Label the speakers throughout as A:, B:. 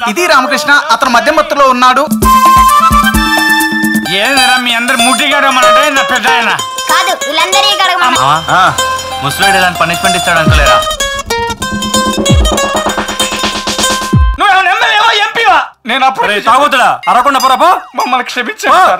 A: ఇది రామకృష్ణ, అతను మధ్యమత్తులో ఉన్నాడు.
B: ఏదరా మీ అందరు ముట్టిగా రమ్మనంటే నా పెద్ద ఆయన
C: కాదు, వీళ్ళందరినీ కడగమన్నా.
D: ముసలాడు ఇలాంటి పనిష్మెంట్ ఇస్తాడు అనుకోలేరా?
B: నువ్వు ఎమ్మెల్యేవా ఎంపీవా? నేను అప్పుడు
D: తాగుతుడా అరకుండా పొరపో.
B: మమ్మల్ని క్షమించండి సార్.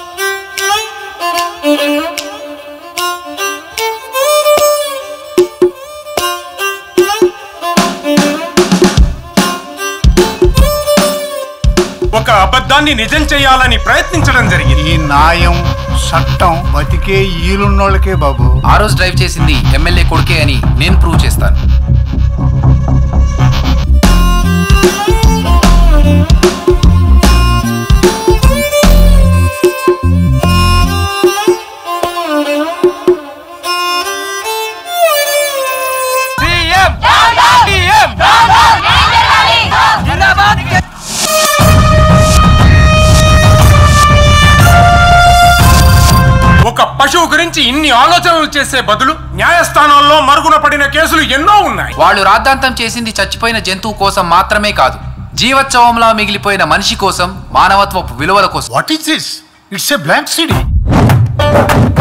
E: ఒక అబద్ధాన్ని నిజం చేయాలని ప్రయత్నించడం జరిగింది.
F: ఈ న్యాయం చట్టం బతికే ఈలున్నోళ్ళకే బాబు.
G: ఆ రోజు డ్రైవ్ చేసింది ఎమ్మెల్యే కొడుకే అని నేను ప్రూవ్ చేస్తాను.
E: ఒక పశువు గురించి ఇన్ని ఆలోచనలు చేసే బదులు న్యాయస్థానాల్లో మరుగున పడిన కేసులు ఎన్నో ఉన్నాయి.
G: వాళ్ళు రాద్ధాంతం చేసింది చచ్చిపోయిన జంతువు కోసం మాత్రమే కాదు, జీవోత్సవంలా మిగిలిపోయిన మనిషి కోసం, మానవత్వపు విలువల కోసం.
F: What is this? It's a blank city.